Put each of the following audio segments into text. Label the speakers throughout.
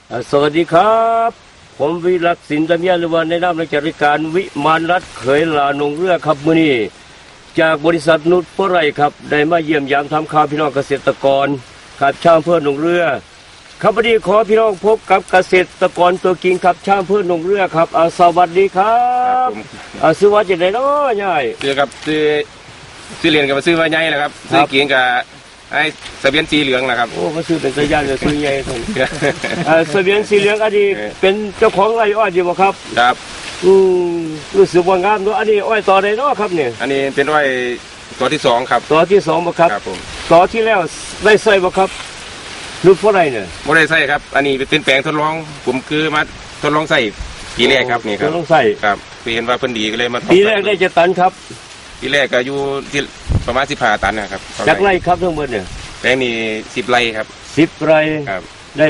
Speaker 1: สวัสดีครับผมวิรักษ์สินตะเมียนหรือว่าในนามราชการวิมานรัฐเขยลานงเรือครับมื้อนี้จากบริษัทนุชโพไรครับได้มาเยี่ยมยามทำข่าวพี่น้องเกษตรกรครับชาวอำเภอหนองเรือครับวันนี้ขอพี่น้องพบกับเกษตรกรตัวจริงครับชาวอำเภอหนองเรือครับสวัสดีครับซื้อว่าจะได้เนาะยาย
Speaker 2: ซื้อกับซื้อเรียนกับซื้อว่าใหญ่นะครับซื้อเกียงกับไอ้ทะเบียนสีเหลืองนะครับ
Speaker 1: โอ้ก็ซื้อเป็นสัญญาณจะซื้อใหญ่ตรงทะเบียนสีเหลืองอันนี้เป็นเจ้าของไร่อ้อยอยู่บ่ครับ
Speaker 2: ครับ
Speaker 1: รู้สึกว่างามเนาะอันนี้อ้อยต่อได้เนาะครับเนี่ย
Speaker 2: อันนี้เป็นอ้อยตัวที่2ครับ
Speaker 1: ตัวที่2บ่ครับ
Speaker 2: ครับผม
Speaker 1: ตัวที่แล้วได้ใส่บ่ครับนุชโพไรเนี่ย
Speaker 2: ไม่ได้ใส่ครับอันนี้เป็นแปลงทดลองผมคือมาทดลองใส่ปีแรกครับนี่ครับ
Speaker 1: ทดลองใส่
Speaker 2: ครับเห็นว่าเพิ่นดีก็เลยมา
Speaker 1: ปีแรกได้จะตันครับ
Speaker 2: ปีแรกก็อยู่ที่ประมาณ15 ตันนะครับ
Speaker 1: จากไร่ครับทั้งหมดเนี่ย
Speaker 2: แปลงนี้10 ไร่ครับ
Speaker 1: 10 ไร่
Speaker 2: ครับ
Speaker 1: ได้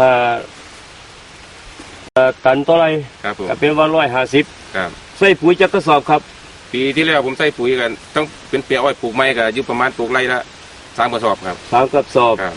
Speaker 1: 15 ตันต่อไร่
Speaker 2: ครับผม
Speaker 1: เป็นว่า150
Speaker 2: ครับ
Speaker 1: ใส่ปุ๋ยจักกระสอบครับ
Speaker 2: ปีที่แล้วผมใส่ปุ๋ยกันต้องเป็นเปียอ้อยปลูกไม้ก็อยู่ประมาณปลูกไร่ละ3 กระสอบครับ
Speaker 1: 3 กระสอบ
Speaker 2: ครับ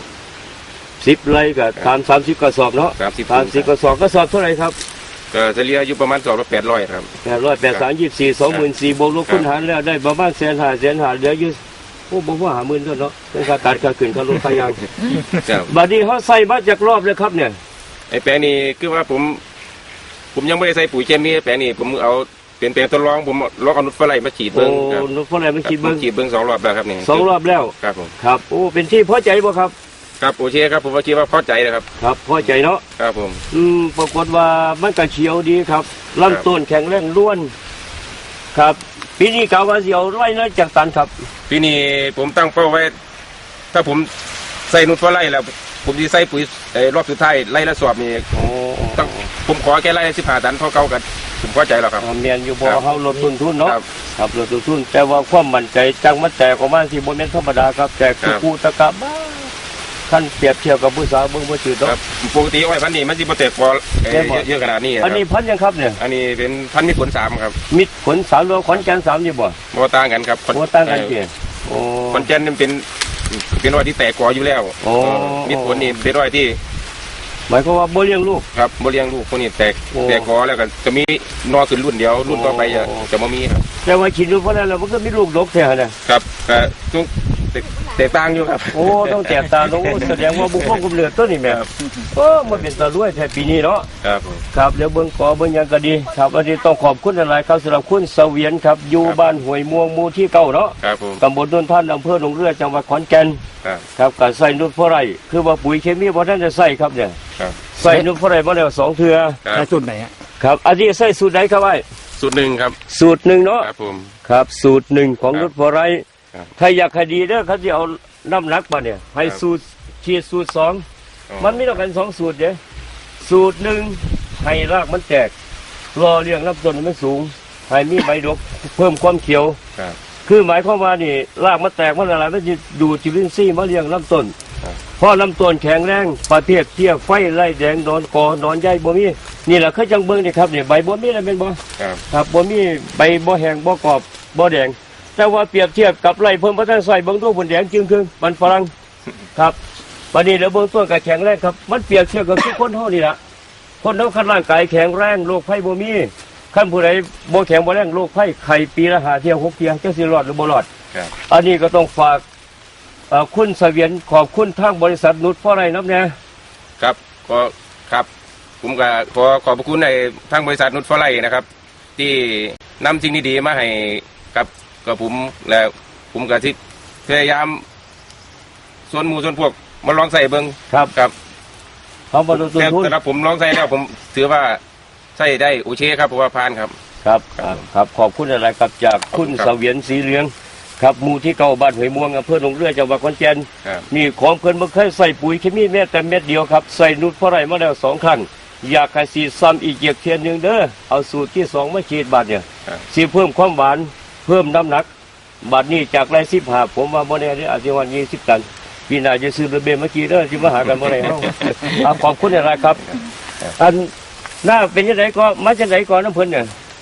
Speaker 1: 10 ไร่ก็ตาม30 กระสอบเนาะ30 กระสอบเท่าไหร่ครับ
Speaker 2: ก็เฉลี่ยอยู่ประมาณ800ครับ
Speaker 1: 800 8 3 24 24บวกลบคูณหารแล้วได้ประมาณ150,000เหลืออยู่โอ้บ่ว่า50,000เท่าเนาะเป็นค่าตัดค่าขึ้นค่ารถค่ายางบัดนี้เฮาใส่มาจากรอบเลยครับเนี่ย
Speaker 2: ไอ้แปลงนี้คือว่าผมยังไม่ได้ใส่ปุ๋ยเคมีแปลงนี้ผมเอาเป็นแปลงทดลองผมลองเอานุชฟลายมาฉีดเบิ้งครับ
Speaker 1: นุชฟลายมาฉีดเบิ้ง
Speaker 2: 2 รอบแล้วครับนี่
Speaker 1: 2 รอบแล้ว
Speaker 2: ครับผม
Speaker 1: ครับโอ้เป็นที่พอใจบ่ครับ
Speaker 2: ครับโอเคครับผมว่าคิดว่าพอใจนะครับ
Speaker 1: ครับพอใจเนาะ
Speaker 2: ครับผม
Speaker 1: ปรากฏว่ามันก็เขียวดีครับลำต้นแข็งแรงล้วนครับปีนี้กะว่าสิเอาไร่ละจักตันครับ
Speaker 2: ปีนี้ผมตั้งเป้าไว้ถ้าผมใส่นุชฟลายแล้วผมจะใส่ปุ๋ยรอบสุดท้ายไร่ละสอบนี่ต้องผมขอแค่ไร่ละ15 ตันพอเก่ากันผมพอใจแล้วครับ
Speaker 1: เมียนอยู่บ่เฮาลดต้นทุนเนาะครับลดต้นทุนแต่ว่าความมั่นใจจังมันแตกออกมาสิบ่แม่นธรรมดาครับแตกคู่ตะกะบ้าท่านเปรียบเทียบกับผู้สาวเบิ่งบ่จืดเนาะ
Speaker 2: ปกติอ้อยพันธุ์นี้มันสิบ่แตกพอเยอะขนาดนี้
Speaker 1: อันนี้พันธุ์ยังครับเนี่ย
Speaker 2: อันนี้เป็นพันธุ์มิตรผล3ครับ
Speaker 1: มิตรผล3หรือขอนแก่น3นี่บ่
Speaker 2: ต่างกันครับ
Speaker 1: บ่ต่างกันเด้โอ้
Speaker 2: ขอนแก่นนี่เป็นอ้อยที่แตกกออยู่แล้วมิตรผลนี่เป็นอ้อยที่
Speaker 1: หมายความว่าบ่เลี้ยงลูก
Speaker 2: ครับบ่เลี้ยงลูกพวกนี้แตกกอแล้วก็จะมีนอขึ้นรุ่นเดียวรุ่นต่อไปจะบ่มีครับ
Speaker 1: แต่ว่าฉีดลูกเพราะนั้นแล้วมันก็มีลูกดกแท้
Speaker 2: นะครับก็ต้องแตกต่างอยู่ครับ
Speaker 1: โอ้ต้องแตกต่างต้องแสดงว่าบุคคลกำเนิดต้นนี่แม่มันเป็นตะลุยแท้ปีนี้เนาะครับเดี๋ยวเบิ่งขอเบิ่งยังก็ดีครับอันนี้ต้องขอบคุณหลายๆครับสำหรับคุณเสวียนครับอยู่บ้านห้วยม่วงหมู่ที่9เนาะตำบลโนนท่านอำเภอหนองเรือจังหวัดขอนแก่นครับการใส่นุชโพไรคือว่าปุ๋ยเคมีบ่ทันจะใส่ครับเนี่ยใส่นุชโพไรมาแล้ว2 เทื่อ
Speaker 3: ใส่สูตรไหน
Speaker 1: ครับอันนี้ใส่สูตรไหนครับไอ้
Speaker 2: สูตร1ครับ
Speaker 1: สูตร1เนาะ
Speaker 2: ครับผม
Speaker 1: ครับสูตร1ของนุชโพไรถ้าอยากให้ดีเด้อเขาจะเอาน้ำหนักมาเนี่ยให้สูตรฉีดสูตร2มันมีต้องกัน2 สูตรเด้สูตร1ให้รากมันแตกรอเลี้ยงลำต้นมันสูงให้มีใบดกเพิ่มความเขียวคือหมายความว่านี่รากมันแตกมันอะไรมันจะดูดจุลินทรีย์มาเลี้ยงลำต้นเพราะลำต้นแข็งแรงประเภทเทียไฟไล่แดงนอนกอนอนใหญ่บ่มีนี่แหละคือจังเบิ่งนี่ครับนี่ใบบ่มีอะไรเป็นบ่ครับบ่มีใบบ่แห้งบ่กรอบบ่แดงแต่ว่าเปรียบเทียบกับไรเพิ่มพัฒนาใส่เบื้องต้นผลแดงจึงคือมันฝรั่งครับวันนี้เดี๋ยวเบื้องต้นกับแข็งแรงครับมันเปรียบเทียบกับทุกคนเท่านี้ละคนเท่าขั้นร่างกายแข็งแรงโรคไข้บ่มีขั้นผู้ใดบ่แข็งบ่แรงโรคไข้ไข่ปีละ5 เที่ยว6 เที่ยวเจ้าสิรอดหรือบ่รอดอันนี้ก็ต้องฝากคุณเสวียนขอบคุณทางบริษัทนุชโพไรนับเนี่ย
Speaker 2: ครับก็ครับผมก็ขอบพระคุณในทางบริษัทนุชโพไรนะครับที่นำสิ่งดีๆมาให้กับผมและผมกับที่พยายามส่วนหมู่ส่วนพวกมาลองใส่เบิ้งครับ
Speaker 1: เขาบรรลุทุน
Speaker 2: แต่ผมลองใส่แล้วผมถือว่าใส่ได้โอเคครับเพราะว่าผ่านครับ
Speaker 1: ครับขอบคุณอะไรครับจากคุณเสวียนสีเหลืองครับหมู่ที่9บ้านห้วยม่วงอำเภอหนองเรือจังหวัดขอนแก่นนี่ของเพิ่นบ่เคยใส่ปุ๋ยเคมีแม้แต่เม็ดเดียวครับใส่นุชโพไรมาแล้ว2 ครั้งอยากให้ฉีดซ้ำอีกเทียนนึงเด้อเอาสูตรที่2มาฉีดบาดเนี่ยสิเพิ่มความหวานเพิ่มน้ำหนักบัดนี้จากไร15ผมว่าโมเดลนี้อาจจะวัน20 ตันปีหน้าจะซื้อระเบียงเมื่อกี้เด้อที่มาหากันโมเดลขอบคุณอะไรครับอันหน้าเป็นยังไงก็มาจากไหนก่อนน้ำเพิ่นเนี่ย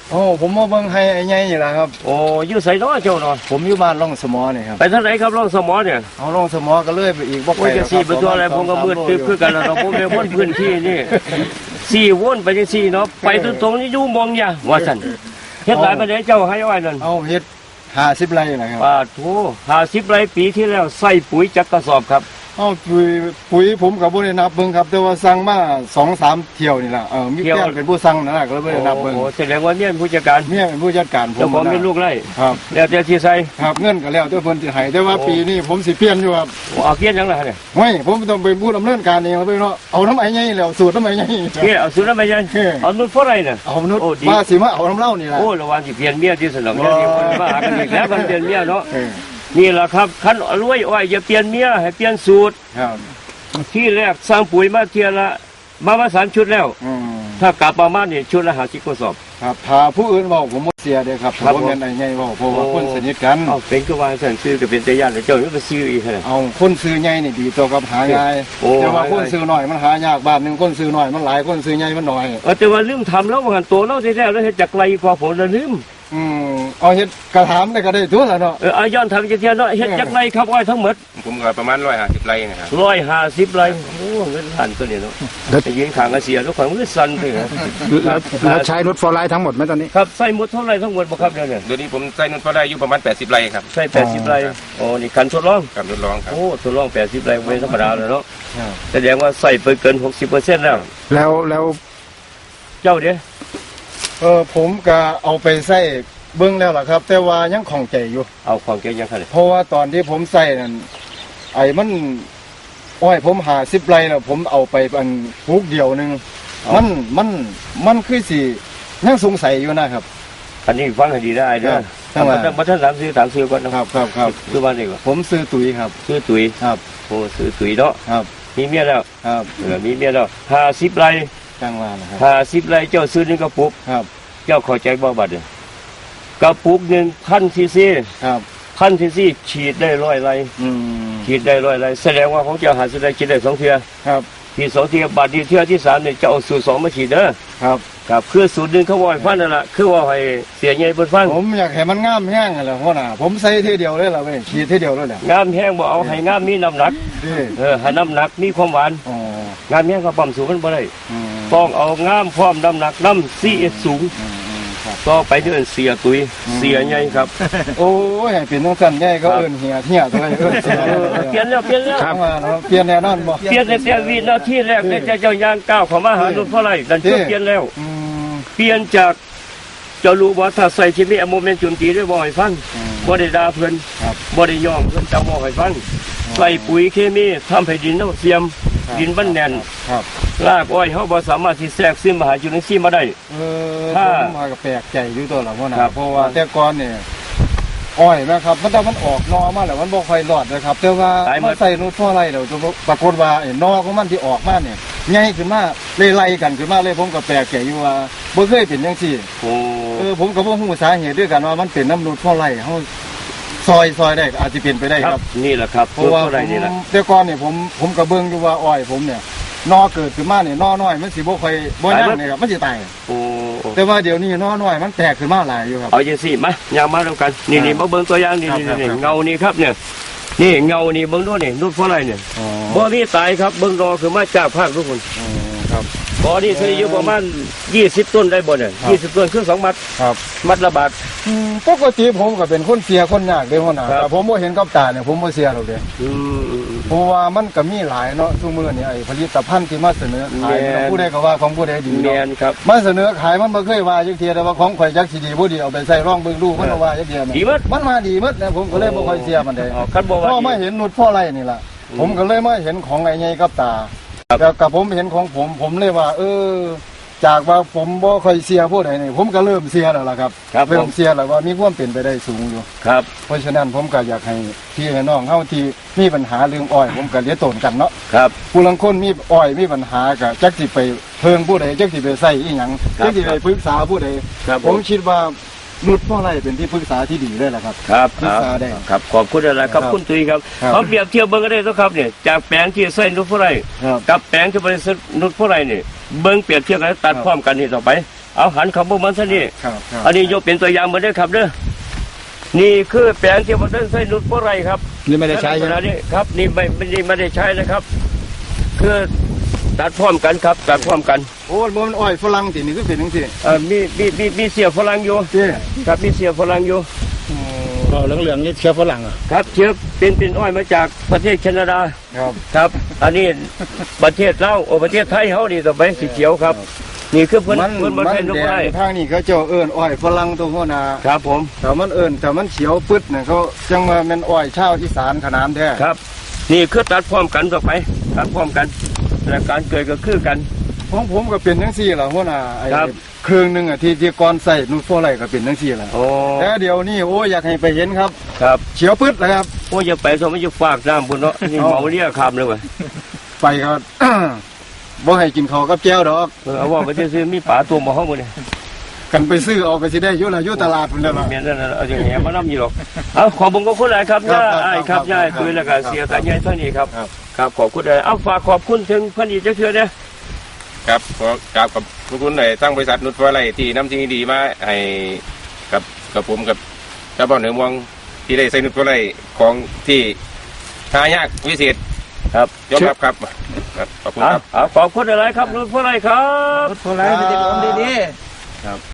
Speaker 3: โอ้ผมมาเบิ่งให้ไอ้ใหญ่นี่แหละครับ
Speaker 1: โอ้อยู่ไสเนาะเจ้าเนาะ
Speaker 3: ผมอยู่บ้านร่องสมอนี่ครับ
Speaker 1: ไปทางไหนครับร่องสมอเนี่ย
Speaker 3: เอาร่องสมอก็เลยไปอีกบ่ไก
Speaker 1: โอ้
Speaker 3: ล
Speaker 1: ยจะสี่ไปตัวอะไรผมก็มืดตึ๊บคือกันแล้วเราผมเป็นคนพื้นที่นี่สี่วนไปจังสี่เนาะไปตรงๆนี่อยู่มองอย่าว่าซั่นเฮ็ดหลายประเดี๋ยวเจ้าให้ไว้นั่น
Speaker 3: เอาเฮ็ด50 ไร่นะครับ
Speaker 1: ปาโถ50 ไร่ปีที่แล้วใส่ปุ๋ยจักกระสอบครับ
Speaker 3: เอาปุ๋ยผมก็บ่ได้นับเบิ่งครับแต่ว่าสั่งมา 2-3 เที่ยวนี่ล่ะมีแฟนเป็นผู้สั่งนั่นน่ะก็เลยบ่ได้นับเบิ่ง
Speaker 1: โอ้แสดงว่าเนี่ยเป็นผู้จัดการ
Speaker 3: เมียเป็นผู้จัดการผม
Speaker 1: เจ้าของเป็นลูกไร่
Speaker 3: ครับ
Speaker 1: แล้วแต่ที่ใส่
Speaker 3: ครับเงินก็แล้วแต่เพิ่นสิให้แต่ว่าปีนี้ผมสิเปลี่ยนอยู่ครับ
Speaker 1: เอาเกียนยังไงเนี่ย
Speaker 3: ไม่ผมต้องไปพูดดำเนินการเองแล้วไปเนาะเอาน้ำไอ้ใหญ่แล้วสูตรน้ำไอ้ใหญ่
Speaker 1: เกียนเอาซื้อแล้วไม่ใช่เอานุ่นเพราะอะไรเนี่ย
Speaker 3: เอามนุษย์
Speaker 1: โอ้ดี
Speaker 3: ว่าสิมาเอาน้ำเหล้านี่ล่ะ
Speaker 1: โอ้ระวังสิเปลี่ยนเมียที่สนองเดี๋ยวนี้คนมาหากันอีกแล้วมันเปลี่ยนเมียเนาะ
Speaker 3: เออ
Speaker 1: นี่แหละครับคันรวยอ้อยอย่าเปลี่ยนเมียให้เปลี่ยนสูตร
Speaker 3: ครับ
Speaker 1: ที่แรกสร้างปุ๋ยมาเทียละมา3 ชุดแล้ว
Speaker 3: อืม
Speaker 1: ถ้ากลับประมาณนี่ชุดละ50 กระสอบ
Speaker 3: ครับถ้าผู้อื่นบอกผมบ่เสียเด้อครับ
Speaker 1: ครับ
Speaker 3: ผมเป็นไอ้ใหญ่บอกเพราะว่าคนสนิทกัน
Speaker 1: เอาเป็นก็ว่าสั่นซื้อก็เป็นแต่ญาติเจ้าอยู่ก็ซื้ออีกแหละ
Speaker 3: เอาคนซื้อใหญ่นี่ดีตัวกับหาง่าย
Speaker 1: โอ้
Speaker 3: แต่ว่าคนซื้อน้อยมันหายากบ้านหนึงคนซื้อน้อยมันหลายคนซื้อใหญ่มันน้อย
Speaker 1: แต่ว่าลืมทำแล้วว่างันตัวเราแท้ๆแล้วเฮ็ดจากไกลกว่าผมแล้วลืม
Speaker 3: เอาเฮ็ดกระถามได้ก็ได้ตัวละเนาะ
Speaker 1: เอาย้อนทำจะเทียนเนาะเฮ็ดจากไรครับอ้อยทั้งหมด
Speaker 2: ผมก็ประมาณ150 ไร่นะครับ
Speaker 1: 150 ไรโอ้เงินหันตัวนี้เนาะแต่ยิงขางกระเสียทุกคนมันสั่นไปเหรอ
Speaker 4: แล้วใช้นุชฟอร์ไลท์ทั้งหมดไหมตอนนี้
Speaker 1: ครับใส่หมดเท่าไรทั้งหมดบ่ครับเดี๋ยวนี้
Speaker 2: เดี๋ยวนี้ผมใส่นุ่นพอได้อยู่ประมาณ80 ไร่ครับ
Speaker 1: ใส่80 ไรโอ้นี่คันทดลอง
Speaker 2: กับทดลองครับ
Speaker 1: โอ้ทดลอง80 ไรเว้นธรรมดาเลยเนาะแสดงว่าใส่ไปเกิน 60%แล้ว
Speaker 4: แล้ว
Speaker 1: เจ้าเด้
Speaker 3: ผมก็เอาไปใส่เบิ่งแล้วล่ะครับ แต่ว่ายังของใจอยู่
Speaker 1: เอาของแกยังคั่นเลย
Speaker 3: เพราะว่าตอนที่ผมใส่นั่นไอ้มันอ้อยผม50 ไร่แล้วผมเอาไปอันปลูกเดียวหนึงมันคือสิยังสงสัยอยู่นะครับ
Speaker 1: อันนี้ฟังให้ดีได้เด้อ
Speaker 3: ครับ
Speaker 1: มาท่านถามซื้อก่อนนะ
Speaker 3: ครับ
Speaker 1: คือว่านี่ว่า
Speaker 3: ผมซื้อตุ๋ยครับ
Speaker 1: ซื้อตุ๋ย
Speaker 3: ครับ
Speaker 1: โอ้ซื้อตุ๋ยเนาะ
Speaker 3: ครับ
Speaker 1: มีเมียแล้ว
Speaker 3: ครับ
Speaker 1: มีเมียแล้ว50 ไร
Speaker 3: จังว่านะครับ
Speaker 1: 50 ไรเจ้าซื้อ1กระปุก
Speaker 3: ครับ
Speaker 1: เจ้าเข้าใจบ่บัดเนี่ยกระปุก1,000 ซีซี
Speaker 3: ครับ
Speaker 1: 1,000 ซีซีฉีดได้100 ไร
Speaker 3: อืม
Speaker 1: ฉีดได้100 ไรแสดงว่าของเจ้า50 ไรฉีดได้2 เทื่อ
Speaker 3: ครับ
Speaker 1: ที่2 เทื่อบาดนี้เทื่อที่3เนี่ยจะเอาสูตร2มาฉีดเด้อ
Speaker 3: ครับ
Speaker 1: ครับคือสูตร1เขาว่าให้ฟังนั่นล่ะคือว่าให้เสียใหญ่เพิ่นฟัง
Speaker 3: ผมอยากให้มันงามแห้งนั่นแหละพ่อน่ะผมใส่ทีเดียวเลยล่ะเว้ยฉีดทีเดียวเลยแหละ
Speaker 1: งามแห้งบ่เอาให้งามมีน้ำหนัก
Speaker 3: นี่
Speaker 1: ให้น้ำหนักมีความหวาน
Speaker 3: อ๋อง
Speaker 1: ามแห้งก็ปั๊มสูงมันบ่ได้
Speaker 3: อืม
Speaker 1: ต้องเอางามพร้อมน้ำหนักน้ำ CS สูง
Speaker 3: ครับ
Speaker 1: ต่อไปเดือนเสียตุยเสียใหญ่ครับ
Speaker 3: โอ้ยให้เป็นต้องสั่นใหญ่ก็เอิ้นเหี่ยตัวนี้เอิ้นเสีย
Speaker 1: เปลี่ยนแล้ว
Speaker 3: จังว่าเนาะเปลี่ยนแน่นอนบ่
Speaker 1: เปลี่ยนแต่วินาทีแรกเนี่ยเจ้าย่างก้าวเข้ามาหาลุงพ่อไรดันเปลี่ยนแล้ว
Speaker 3: อืม
Speaker 1: เปลี่ยนจากเจ้ารู้ว่าถ้าใส่ชีวิตโมเมนต์จุนตีได้บ่อยฟังบ่ได้ด่าเพิ่น
Speaker 3: ครับ
Speaker 1: บ่ได้ย่องเพิ่นจะบ่ให้ฟังใส่ปุ๋ยเคมีทำให้ดินเน่าเสียม ดินมันแน่น
Speaker 3: ครับ
Speaker 1: รากอ้อยเฮาบ่สามารถสิแทรกซึมมาหาจุลินทรีย์มาได้ ถ้า
Speaker 3: ผมมาก็แปลกใจอยู่ตัวละพ่อน่ะ
Speaker 1: ครับ
Speaker 3: เพราะว่าแต่ก่อนเนี่ยอ้อยนะครับมันแต่มันออกนอมาแล้วมันบ่ค่อยรอดนะครับ แต่ว่ามาใส่นูนทั่วไรแล้วปรากฏว่าไอ้นอของมันที่ออกมาเนี่ยใหญ่ขึ้นมาเลยไล่กันขึ้นมาเลยผมก็แปลกใจอยู่ว่าบ่เคยเป็นจังซี่
Speaker 1: โอ้
Speaker 3: ผมก็บ่ฮู้สาเหตุด้วยกันว่ามันเป็นน้ำนูนทั่วไรเฮาซอยได้ก็อาจจะเป็นไปได้
Speaker 1: ค
Speaker 3: ค
Speaker 1: รั
Speaker 3: รั
Speaker 1: บบ นี่แหละครับ
Speaker 3: เพราะว่า
Speaker 1: เท่าไรนี่แหละ
Speaker 3: แต่ก่อนเนี่ยผมก็เบิ่งอยู่ว่าอ้อยผมเนี่ยนอเกิดขึ้นมาเนี่ยนอน้อยมันสิบ่ค่อยบ่ยั่งเนี่ยครับมันสิตาย
Speaker 1: โอ้
Speaker 3: แต่ว่าเดี๋ยวนี้นอน้อยมันแตกขึ้นมาหลายอยู่ครับ
Speaker 1: เอาจังซี่มาย่างมาแล้วกันนี่มาเบิ่งตัวอย่างนี่
Speaker 3: ครับ
Speaker 1: นี่
Speaker 3: ครับ
Speaker 1: เงานี่ครับเนี่ยนี่เงานี่เบิ่งดูนี่นุ่นเพราะอะไรเนี่ย
Speaker 3: อ๋อ
Speaker 1: บ่มีตายครับเบิ่งรอคือมาจากภาคทุกคน
Speaker 3: ครับ
Speaker 1: บ่อนี่เคยอยู่ประมาณ20 ต้นได้บ่เนี่ย
Speaker 3: ครับ
Speaker 1: 20 ต้นคือ2 มัด
Speaker 3: ครับ
Speaker 1: มัดละบาท
Speaker 3: ปกติผมก็เป็นคนเสียคนยากเด้อหัวหน้า
Speaker 1: ครับ
Speaker 3: แต่ผมบ่เห็นกับตาเนี่ยผมบ่เสียหรอกเด้
Speaker 1: อืม
Speaker 3: เพราะว่ามันก็มีหลายเนาะซุมื้อนี่ไอ้ผลิตภัณฑ์ที่มาเสนอขาย
Speaker 1: แม่น
Speaker 3: ผู้ใดก็ว่าของผู้ใดดี
Speaker 1: แม
Speaker 3: เนาะ
Speaker 1: นครับ
Speaker 3: มาเสนอขายมันบ่เคยว่าจักเทียแต่ว่าของข่อยจักสิดีบ่ดีเอาไปใส่ร่องเบิ่งดูมันก็ว่าจักเทียแม่
Speaker 1: ดีหมด
Speaker 3: มันมาดีหมดนะผมก็เลยบ่ค่อยเสียมันได้
Speaker 1: อ๋อคันบ่
Speaker 3: พ
Speaker 1: ว่า
Speaker 3: อมา
Speaker 1: ดี
Speaker 3: เห็นนุชพ่อไรนี่ล่ะ ผมก็เลยมาเห็นของไอ้ใหญ่กับตา
Speaker 1: ครับ
Speaker 3: แล้วกับผมเห็นของผมเลยว่า จากว่าผมบ่ค่อยเสียผู้ใดนี่ผมก็เริ่มเสียแล้วล่ะครับ
Speaker 1: ครับผ
Speaker 3: เริ่
Speaker 1: ม
Speaker 3: มเสียแล้วว่ามีความเป็นไปได้สูงอยู่
Speaker 1: ครับ
Speaker 3: เพราะฉะนั้นผมก็อยากให้พี่ให้น้องเฮาที่มีปัญหาเรื่องอ้อย ผมก็เลี้ยงตนกันเนาะ
Speaker 1: ครับ
Speaker 3: ผู้ลังคนมีอ้อยมีปัญหาก็จักสิไปเพิงผู้ใดจักสิไปใส่อีหยัง
Speaker 1: ครับ
Speaker 3: จักสิไปปรึกษาผู้ใด
Speaker 1: ครับ
Speaker 3: ผมคิดว่านุชพ่อไรเป็นที่ปรึกษาที่ดีเลยล่ะครับ
Speaker 1: ครับ
Speaker 3: ปรึกษาได้
Speaker 1: ครับขอบคุณอะไรครับ
Speaker 3: ครับ
Speaker 1: คุณตุ้ยครับ
Speaker 3: ครับ
Speaker 1: เขาเปรียบเทียบเบิ่งก็ได้ตัวครับเนี่ยจากแปลงที่ใส่นุชผู้ไร
Speaker 3: ครับ
Speaker 1: กับแปลงที่บริษัทนุชผู้ไรนี่เบิ่งเปรียบเทียบกันตัดพร้อมกันนี่ต่อไปเอาหันขับพวกมันซะนี่
Speaker 3: ครับครับ
Speaker 1: อันนี้ยกเป็นตัวอย่างมาด้วยครับเด้อนี่คือแปลงที่มันได้ใส่นุชโฟไรครับ
Speaker 4: นี่ไม่ได้ใช้ใช่ไหม
Speaker 1: นี่ครับนี่ไม่ได้ใช้นะครับ คือตัดพร้อมกันครับตัดพร้อมกัน
Speaker 3: โอ้มันอ้อยฝรั่งสินี่คือเป็นจังซี่
Speaker 1: มีเสียฝรั่งอยู่
Speaker 3: เจ้
Speaker 1: ครับมีเสียฝรั่งอยู่
Speaker 4: ก็เหลืองๆนี่เชื้อฝรั่งเหรอ
Speaker 1: ครับเชื้อเป็นอ้อยมาจากประเทศแคนาดา
Speaker 3: ครับ
Speaker 1: ครับ อันนี้ประเทศลาวประเทศไทยเขานี่ต่อไปสีเขียวครับ นี่คือเพิ่น
Speaker 3: มัน
Speaker 1: เพิ่นมา
Speaker 3: มัน
Speaker 1: ใช้นุช
Speaker 3: แด
Speaker 1: โฟไร
Speaker 3: งทางนี้เขาเจ้าเอิ้นอ้อยฝรั่งตัวหัวหน้า
Speaker 1: ครับผม
Speaker 3: แต่มันเอิ้นแต่มันเขียวปึ๊ดเนี่ยเขาจังว่าแม่นอ้อยชาวอีสานขนานแท้
Speaker 1: ครับ นี่คือตัดพร้อมกันต่อไปตัดพร้อมกันและการเกิดก็คือกัน
Speaker 3: ของผมก็เป็นจังซี่ล่ะหัวหน้าไอ้
Speaker 1: ครับ
Speaker 3: เครื่องหนึงอ่ะที่ก่อนใส่นูตโฟไลก็เป็นจังซี่ล่ะ
Speaker 1: โอ้
Speaker 3: แต่เดี๋ยวนี้โอ้อยากให้ไปเห็นครับ
Speaker 1: ครับ
Speaker 3: เขียวปึ๊ดเลยครับ
Speaker 1: โอ้อย่าไปสมัยจะฝากน้ำบุญเนาะนี่เมาเรียกคำเลยเว่ะ
Speaker 3: ไปก็ บ่ให้กินข้าวกับแก้วดอก
Speaker 1: เอาว่าไปซื้อมีป่าตัวมาห้องมือเนี่ย
Speaker 3: กันไปซื้อเอาไปสิได้อยู่ล่ะอยู่ตลาดพุ่นแล้วล่ะ
Speaker 1: เมียนั่นน่ะเอาอย่างเงี้ยมาน้ำอยู่หรอกเอาขอบคุณคุณหลายครับ
Speaker 3: ครับ
Speaker 1: ย่า
Speaker 3: ครับ
Speaker 1: ไอ้ครับ
Speaker 3: ครับ
Speaker 1: ย่า
Speaker 3: ครับ
Speaker 1: คุยแล้วก็เสียกันย่าเท่านี้ครับ
Speaker 3: ครับ
Speaker 1: ครับขอบคุณเลยเอาฝากขอบคุณถึงพันอีกเจ้าเชื่อเนี่ย
Speaker 2: ครับขอกราบขอบคุณในทั้งบริษัทนุชฟอร์ไลที่นำสิ่งดีๆมาให้กับผมกับชาวบ้านเหนือเมืองที่ได้ใส่นุชฟอร์ไลของที่หายากวิเศษ
Speaker 1: ครับ
Speaker 2: ยอมรับครับครับขอบคุณครับ
Speaker 1: เอาขอบคุณอะไรครับรุ่นผู้ไรครับ
Speaker 3: รถโฟไลไม่ได้ลมดีๆ